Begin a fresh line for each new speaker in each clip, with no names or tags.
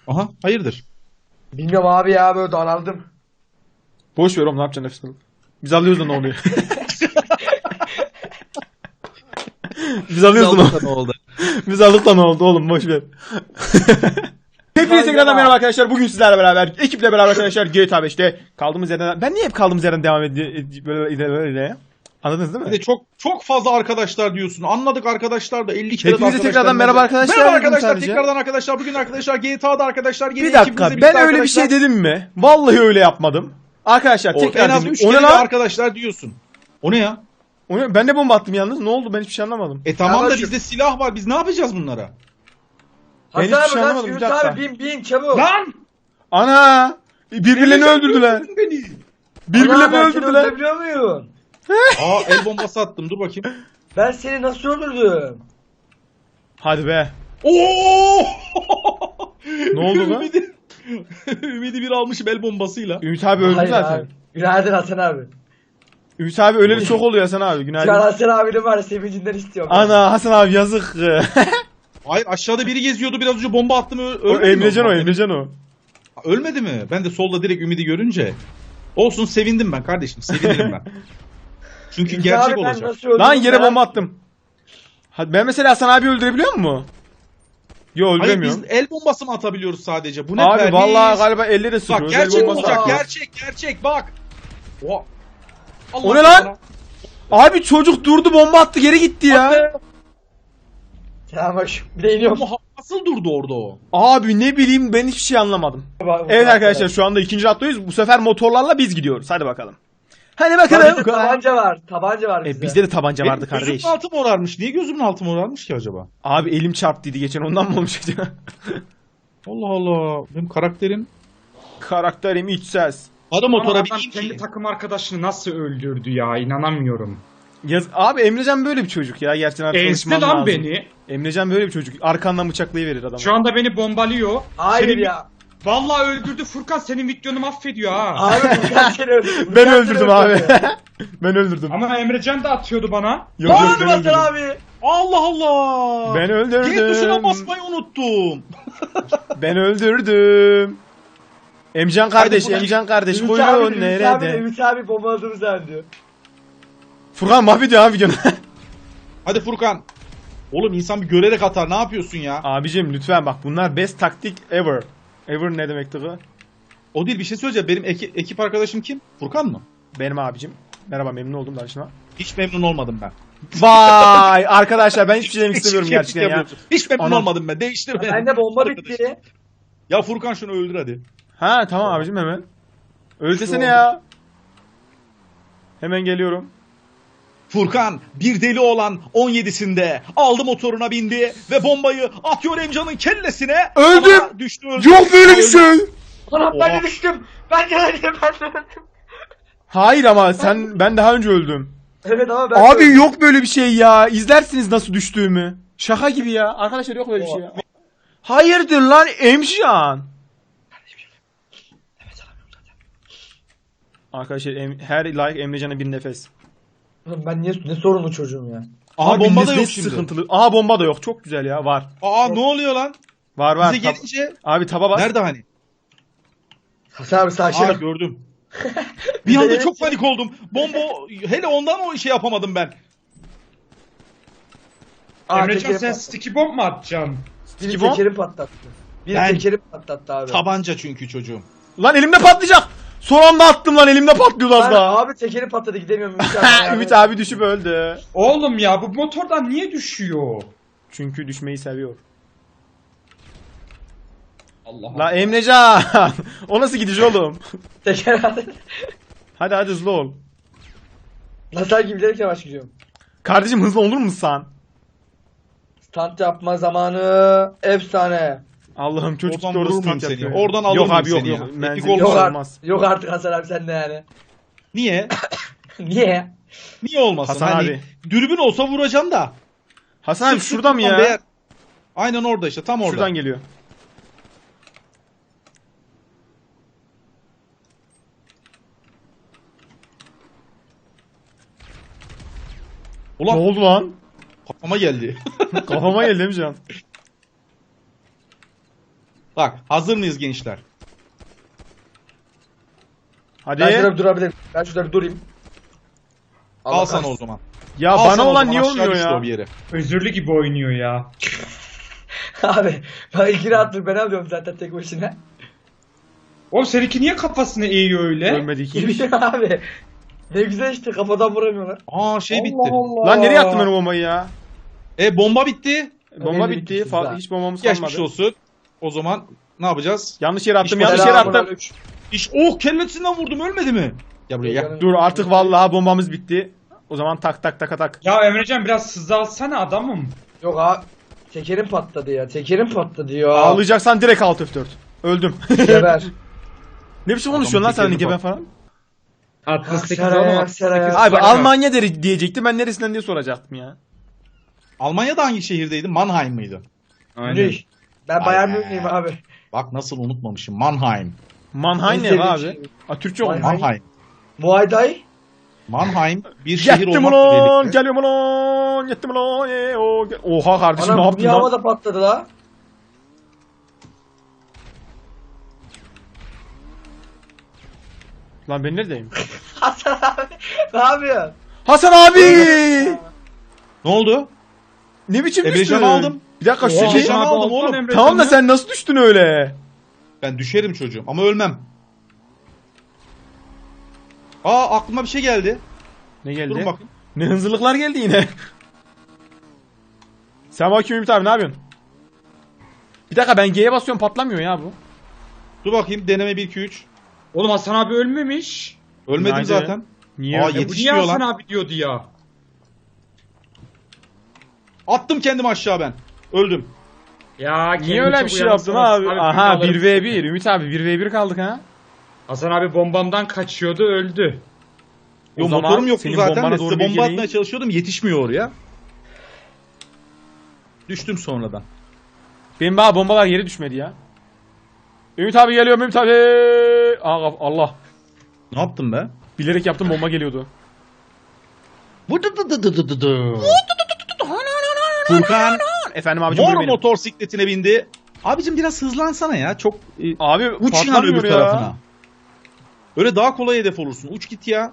Aha, hayırdır?
Bilmiyorum abi ya, böyle daraldım.
Boş ver oğlum, ne yapacaksın nefes alıp. Biz alıyoruz da ne oluyor? Biz alıyoruz da ne oldu?
Ne oldu?
Biz aldık da ne oldu oğlum, boş ver. Hepinize tekrardan merhaba arkadaşlar. Bugün sizlerle beraber, ekiple beraber arkadaşlar GTA 5'te kaldığımız yerden... Ben niye hep kaldığımız yerden devam böyle? Anladınız değil
Bir
mi?
de çok fazla arkadaşlar diyorsun. Anladık arkadaşlar da 50 kere de
Hepinize tekrardan merhaba arkadaşlar.
Merhaba
dedim
arkadaşlar,
sadece.
tekrardan arkadaşlar. Bugün arkadaşlar GTA'da arkadaşlar. Yine
Bir dakika,
ekibimizle
ben
birlikte
öyle bir şey
arkadaşlar.
dedim mi? Vallahi öyle yapmadım. Arkadaşlar tekrar
en az
dedim.
3
O ne
kere de
lan?
arkadaşlar diyorsun. O ne ya?
O ne? Ben de bomba attım yalnız. Ne oldu? Ben hiçbir şey anlamadım.
Tamam da
Kardeşim.
bizde silah var. Biz ne yapacağız bunlara?
Ben
Hasan
hiçbir şey
abi kaç,
anlamadım, bir
Ümit
dakika.
abi bin çabuk.
Lan!
Ana! Birbirlerini öldürdüler.
Beni.
Birbirlerini
Ana, ben seni
öldürdüler.
öldürebiliyor muyum?
Aa, el bombası attım. Dur bakayım.
Ben seni nasıl öldürdüm?
Hadi be.
Oo!
Ne oldu lan?
Ümidi bir almışım el bombasıyla.
Ümit abi öldü
Hayır
zaten.
abi. Günaydın Hasan abi.
Ümit abi öleli çok oluyor Hasan abi. Günaydın.
Şu an Hasan abinin var ya, sevincinden istiyorum.
Ana Hasan abi yazık.
Hayır, aşağıda biri geziyordu, biraz önce bomba attım,
O
ölmedi mi?
Emrecan o, Emrecan o.
Ölmedi mi? Ben de solda direkt Ümidi görünce. Olsun, sevindim ben kardeşim, sevinirim ben. Çünkü
Ümit
gerçek
abi, ben
olacak.
nasıl öldürdüm
Lan yere
merak-
bomba attım. Hadi ben mesela Hasan abi öldürebiliyor mu? Yo,
Hayır,
öldüremiyorum.
biz el bombası mı atabiliyoruz sadece? Bu ne
Abi
perhiz?
vallahi galiba elle de sıkıyor.
Bak,
El
gerçek
bombası
olacak,
atıyor.
gerçek bak. Oha. Allah
O ne lan?
sana.
Abi çocuk durdu, bomba attı, geri gitti ya.
Ya bak, bir de iniyorum.
Ama nasıl durdu orada o?
Abi ne bileyim, ben hiçbir şey anlamadım. Evet arkadaşlar, şu anda ikinci hattayız. Bu sefer motorlarla biz gidiyoruz. Hadi bakalım. Hadi bakalım.
Bizde tabanca var. Tabanca var bizde.
Bizde de tabanca vardı
Benim
kardeş.
gözümün altı morarmış. Niye gözümün altı morarmış ki acaba?
Abi elim çarptıydı geçen, ondan mı olmuş acaba?
Allah Allah. Benim karakterim.
Karakterim iç ses.
Hadi motora
Adam
bineyim
kendi
ki.
takım arkadaşını nasıl öldürdü ya, inanamıyorum.
Abi Emrecan böyle bir çocuk ya. Gerçekten artık
Ezdi
konuşmam
lan
lazım.
beni.
Emrecan böyle bir çocuk. Arkandan bıçaklayıverir adamı.
Şu anda beni bombalıyor.
Hayır
Senin-
ya.
Vallahi öldürdü Furkan, senin videonu mahvediyor ha.
Abi Furkan seni öldürdü.
Ben
Furkan
öldürdüm
seni
abi.
öldürdü.
Ben öldürdüm.
Ama Emrecan da atıyordu bana.
Yok yok,
Bağırma
ben
Hasan
öldürdüm.
abi.
Allah Allah.
Ben öldürdüm.
G tuşuna basmayı unuttum.
Ben öldürdüm. Emcan kardeş,
Hadi
Emcan kardeş,
Ümit abi,
kuyruğun
Ümit abi,
nerede?
Ümit abi bombaladığımı zannediyor.
Furkan mahvediyor abi videonu.
Hadi Furkan. Oğlum, insan bir görerek atar. Ne yapıyorsun ya?
Abicim lütfen bak, bunlar best taktik ever. Ever ne demekti bu?
O değil, bir şey söyleyeceğim. Benim ekip arkadaşım kim? Furkan mı?
Benim abicim. Merhaba, memnun oldum tanıştığıma.
Hiç memnun olmadım ben.
Vay arkadaşlar, ben hiçbir şey demek istemiyorum
Hiç
gerçekten ya.
yapıyorsun. Hiç memnun
Anam.
olmadım ben. Değiştir beni.
Bende bomba
Arkadaş.
bitti.
Ya Furkan, şunu öldür hadi.
Ha tamam abicim, hemen. Öldesene ya. Hemen geliyorum.
Furkan, bir deli olan 17'sinde aldı, motoruna bindi ve bombayı atıyor Emcan'ın kellesine.
Öldüm.
Ama düştü, öldü.
Yok böyle bir şey.
Anam, ben
Oha.
de düştüm. Ben de öldüm.
Hayır ama ben daha önce öldüm.
Evet ama ben
Abi
de öldüm.
yok böyle bir şey ya. İzlersiniz nasıl düştüğümü. Şaka gibi ya. Arkadaşlar yok böyle bir şey ya. Hayırdır lan Emşan? Arkadaşlar her like Emrecan'a bir nefes.
Oğlum ben ne sorunlu çocuğum ya.
Aha,
Abi
bomba da
ne
yok şimdi.
sıkıntılı. Aha bomba da yok. Çok güzel ya. Var.
Aa, ne oluyor lan?
Var.
Bize gelince
Abi taba bas.
nerede hani?
Hasan abi
Aa,
sakin.
gördüm. Bir anda çok panik oldum. Bomba, hele ondan o şey yapamadım ben.
Emrecan, sen sticky bomb mu atacaksın?
Biri
Skibon?
tekerim patlattı. Biri
Ben-
tekerim patlattı abi.
Tabanca çünkü çocuğum.
Lan elimde patlayacak. Son anda attım lan, elimde patlıyordu az
Ben,
daha.
abi tekerim patladı, gidemiyorum Ümit abi. ya.
Ümit abi düşüp öldü.
Oğlum ya, bu motordan niye düşüyor?
Çünkü düşmeyi seviyor.
Allah Allah.
La Emrecan. O nasıl gidiş oğlum?
Teker abi.
Hadi hızlı ol.
Nasıl gibi bilerek yavaş gidiyorum.
Kardeşim hızlı olur musun sen?
Stunt yapma zamanı efsane.
Allah'ım çocuk
Oradan
da orada
vurur muyum
stunt
seni?
yapıyor.
Oradan alır
yok
mıyım
abi yok
seni
yok.
ya?
Menzil
Etik
Yok,
olmaz.
yok artık Hasan abi, sen de yani.
Niye?
Niye?
Niye olmasın?
Hasan
Hani
abi.
dürbün olsa vuracağım da.
Hasan abi
Sık sık
şurada mı
vuran
ya?
değer. Aynen orada işte, tam orada.
Şuradan geliyor.
Ulan
Ne oldu lan?
kafama geldi.
Kafama geldi Emrecan.
Bak hazır mıyız gençler?
Hadi.
Ben şurada bir durabilirim. Ben şurada bir durayım.
Al
Allah
sana
kahretsin.
o zaman.
Ya
Al
bana
sana o
olan
zaman,
niye
aşağı
olmuyor
düştü
ya?
o bir yere.
Özürlü gibi oynuyor ya.
Abi ben ilkini attık ben alıyorum zaten tek başına.
Oğlum seninki niye kafasını eğiyor öyle?
Ölmedi ki.
Bilmiyorum abi. Ne güzel işte kafadan vuramıyorlar.
Aa şey bitti.
Allah.
Lan nereye attın ben o bombayı ya?
Bomba bitti.
Bomba
Önemli
bitti.
bir kısım daha.
Hiç bombamız
Geçmiş
kalmadı.
olsun. O zaman ne yapacağız?
Yanlış yere attım.
Hiç
Yanlış yere attım.
Selamünaleyküm.
Oh kellesinden vurdum ölmedi mi? Gel buraya gel.
Dur artık vallahi bombamız bitti. O zaman tak tak tak tak.
Ya Emrecan biraz hızlı alsana adamım.
Yok abi. Tekerim patladı ya. Tekerim patladı ya.
Ağlayacaksan direkt alt F4. Öldüm.
Geber.
Ne biçim konuşuyorsun lan sen
tekerini
Gebe
bak.
falan?
68
Aksaray'a,
oğlum.
Aksaray'a.
68
Abi
para.
Almanya diyecektim ben neresinden diye soracaktım ya.
Almanya'da hangi şehirdeydi? Mannheim mıydı?
Aynen.
Güney. Ben Bayern
Aynen.
Münih'im abi.
Bak nasıl unutmamışım. Mannheim.
Mannheim
En
ne
sevdiğim
abi?
şey.
Ha Türkçe olmuş.
Mannheim.
Mannheim.
Muay Thai.
Mannheim bir şehir
Yettim
olmakla
ulan,
birlikte.
geliyorum ulan, yettim ulan, Oha kardeşim ne
Anam
yaptın
bir
lan?
havada patladı la.
Lan ben neredeyim?
Hasan abi. Ne yapıyorsun?
Hasan abi!
Ne oldu?
Ne biçim düştün?
Emrecan'ı aldım.
Bir dakika şu
Oha,
şey.
Emrecan'ı aldım
Alsan
oğlum.
Emrecan'ı.
Tamam da sen nasıl düştün öyle?
Ben düşerim çocuğum ama ölmem. Aa aklıma bir şey geldi.
Ne geldi?
Durun bakın.
Ne hınzırlıklar geldi yine. Sen bakayım Ümit abi ne yapıyorsun? Bir dakika ben G'ye basıyorum patlamıyor ya bu.
Dur bakayım deneme 1 2 3.
Oğlum Hasan abi ölmemiş.
Ölmedim
Nerede?
zaten.
Niye
Aa,
öyle?
Bu niye
Yetişmiyor
Hasan
lan.
abi diyordu ya?
Attım kendimi aşağı ben. Öldüm.
Ya
Niye öyle bir şey yaptın abi? Aha 1v1 Ümit abi 1v1 kaldık ha.
Hasan abi bombamdan kaçıyordu öldü.
O
Yo,
zaman
motorum yoktu
senin
zaten
bombana
de
doğru
size
bir
bomba
geleyim.
atmaya çalışıyordum yetişmiyor oraya. Düştüm sonradan.
Benim bana bombalar yere düşmedi ya. Ümit abi geliyor Ümit abi. Aa, Allah.
Ne yaptım be?
Bilerek yaptım bomba geliyordu.
Furkan
Efendim abicim
mor
buyur benim.
motosikletine bindi. Abicim biraz hızlansana ya. Çok
Abi
uç yani
patlamıyor
öbür
ya.
tarafına. Öyle daha kolay hedef olursun. Uç git ya.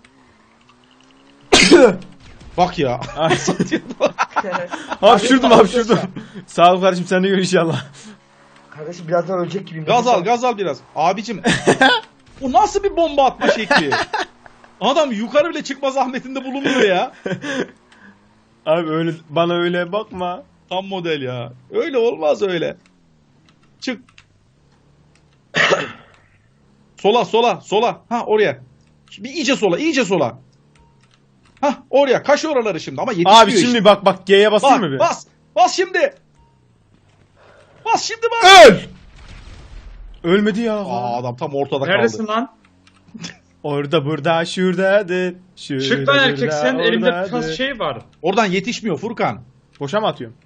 Bak ya.
Hapşurdum hapşurdum. Sağ ol kardeşim sen de gör inşallah.
Kardeşim birazdan ölecek gibiyim.
Gaz al biraz. Abicim. Bu nasıl bir bomba atma şekli? Adam yukarı bile çıkma zahmetinde bulunmuyor ya.
Abi öyle bana öyle bakma.
Tam model ya. Öyle olmaz öyle. Çık. Sola. Ha oraya. Bir iyice sola. Ha oraya. Kaş oraları şimdi ama yetişmiyor
Abi şimdi
işte.
bak G'ye basayım mı bir?
Bas şimdi. Bas şimdi bas.
Öl! Ölmedi ya.
Aa adam tam ortada
Neredesin
kaldı.
lan?
Orada burada şuradadır.
Çık lan erkek sen
burada,
elimde bir
oradadır.
tas şey var.
Oradan yetişmiyor Furkan.
Boşa mı atıyorum?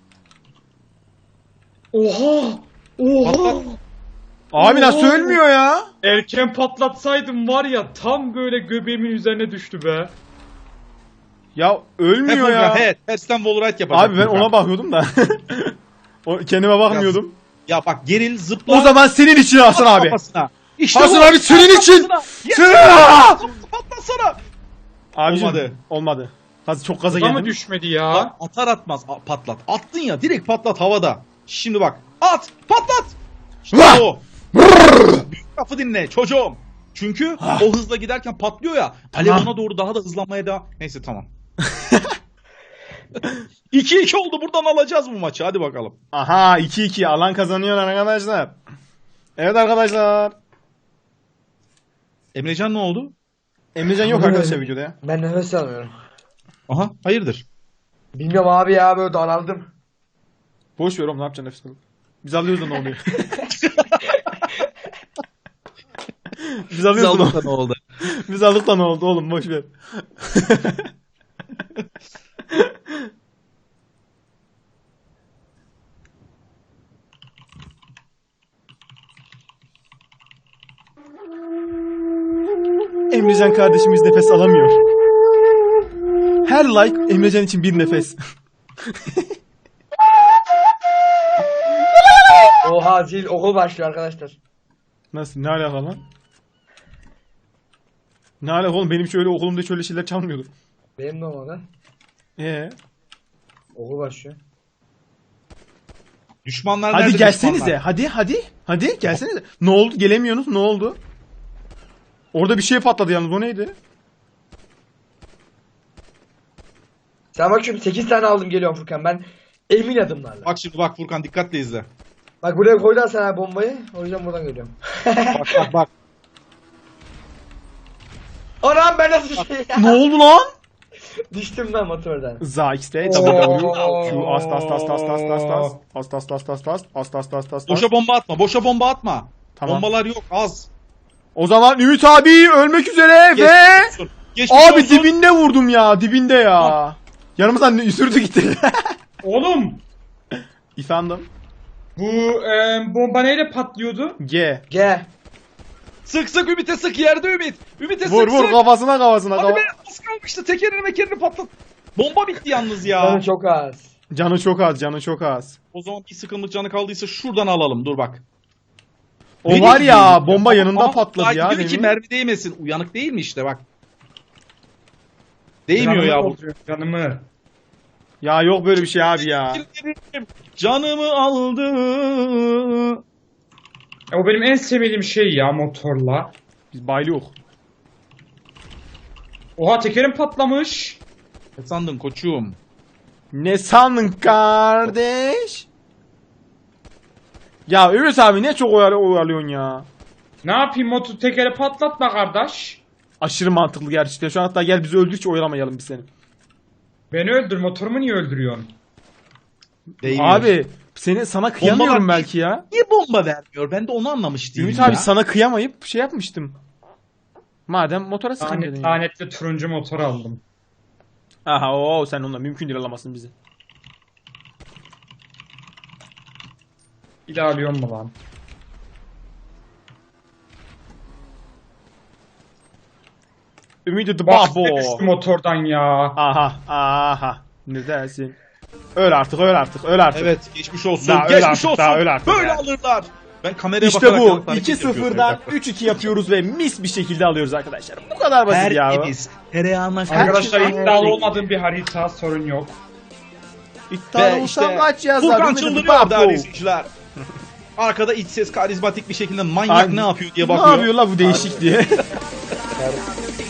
Oha!
Patlat.
Abi nasıl ölmüyor ya?
Erken patlatsaydım var ya tam böyle göbeğimin üzerine düştü be.
Ya
He
ölmüyor
Furkan
ya.
he. Tersten wallride yapacak.
Abi ben
Furkan.
ona bakıyordum da. Kendime bakmıyordum.
Ya bak geril zıpla.
O zaman senin için Hasan abi.
Kafasına. İşte
Hasan
bu.
abi senin için.
Patlasana.
Abicim,
Olmadı.
olmadı. Çok gaza
Buna mı
geldim.
düşmedi ya?
Bak, atar atmaz patlat. Attın ya direkt patlat havada. Şimdi bak. At patlat. İşte
Vah!
o. Büyük lafı dinle çocuğum. Çünkü o hızla giderken patlıyor ya. Alev
Tamam.
ona doğru daha da hızlanmaya devam. Neyse tamam. 2-2 oldu buradan alacağız bu maçı hadi bakalım.
Aha 2-2 alan kazanıyor arkadaşlar. Evet arkadaşlar.
Emrecan ne oldu?
Emrecan yok arkadaşlar videoda ya.
Ben nefes alamıyorum.
Aha hayırdır?
Bilmiyorum abi ya böyle daraldım.
Boş ver oğlum ne yapacaksın nefes alıp. Biz alıyoruz da ne oluyor? Biz alıyoruz da ne oldu?
ne oldu?
Biz aldık da ne oldu oğlum boş ver. Emrecan kardeşimiz nefes alamıyor. Her like Emrecan için bir nefes.
Oha Aa zil okul başlıyor arkadaşlar.
Nasıl? Ne alaka lan? Ne alaka oğlum? Benim şöyle okulumda şöyle şeyler çalmıyordu.
Benim de olmadı. Okul başlıyor.
Düşmanlar
Hadi
nerede
gelsenize.
düşmanlar?
Hadi gelsenize. Ne oldu? Gelemiyorsunuz. Ne oldu? Orada bir şey patladı yalnız. O neydi?
Sen bakıyorum 8 tane aldım geliyorum Furkan. Ben emin adımlarla.
Bak şimdi bak Furkan dikkatle izle.
Bak buraya koydular sana bombayı. O yüzden buradan geliyorum.
Bak.
Anam ben nasıl şey ya?
Ne oldu lan?
Düştüm ben motordan.
Za X'te
Oo.
Q ast ast.
Boşa bomba atma. Boşa bomba atma.
Tamam.
Bombalar yok az.
O zaman Ümit abi ölmek üzere ve
Geçmiş olsun. Geçmiş
abi
olsun.
dibinde vurdum ya. Dibinde ya. Yanımızdan sürdü gitti.
Oğlum
İfendim.
bu bomba neyle patlıyordu?
G.
G.
Sık Ümit'e sık yerde Ümit. Ümit'e sık
Vur
sık.
kafasına.
Hadi be az kalmıştı tekerini mekerini patlat. Bomba bitti yalnız ya.
Canı çok az.
Canı çok az.
O zaman bir sıkıntı canı kaldıysa şuradan alalım dur bak.
O
Beni
var ya
gidiyor.
bomba yanında
Ama
patladı ya.
diyor ki
demin.
mermi değmesin. Uyanık değil mi işte bak. Değmiyor ya bu.
Canımı.
Ya yok böyle bir şey abi ya.
Canımı aldı.
O benim en sevmediğim şey ya motorla.
Biz baylı yok.
Oha tekerim patlamış.
Ne sandın koçum?
Ne sandın kardeş? Ya Ümit abi ne çok oyalıyorsun ya.
Ne yapayım motor tekeri patlatma kardeş.
Aşırı mantıklı gerçekten. Şu an hatta gel bizi öldür hiç oyalamayalım biz seni.
Beni öldür motorumu niye öldürüyorsun?
Değmiyor.
Abi sana kıyamıyorum
Bombalar-
belki ya.
Niye bomba vermiyor? Ben de onu anlamış değilim
Ümit
ya.
abi sana kıyamayıp şey yapmıştım. Madem motora sıkın dedin ya.
Lanetli turuncu motor aldım.
Aha o sen onunla mümkün değil alamazsın bizi.
İlerliyor mu lan?
Ümit the
Bak
babo.
düştü motordan ya.
Aha. Ne dersin? Öl artık.
Evet geçmiş olsun.
Daha öl
geçmiş
artık,
olsun.
daha öl artık
Böyle
ya.
alırlar. Ben kameraya
İşte
bakarak
bu.
yalnız hareket
2-0'dan
yapıyorum.
3-2 yapıyoruz ve mis bir şekilde alıyoruz arkadaşlar. Bu kadar basit ya.
Tertemiz. Tereyağına
Arkadaşlar
şey-
iddialı olmadığım bir harita sorun yok.
İddialı
Ve
olsam
işte
kaç yazar?
Furkan
Ümit the
çıldırıyor
babo.
değerli izleyiciler. Arkada iç ses karizmatik bir şekilde manyak
Ay,
ne yapıyor diye
Ne
bakıyor.
yapıyor la bu değişik diye.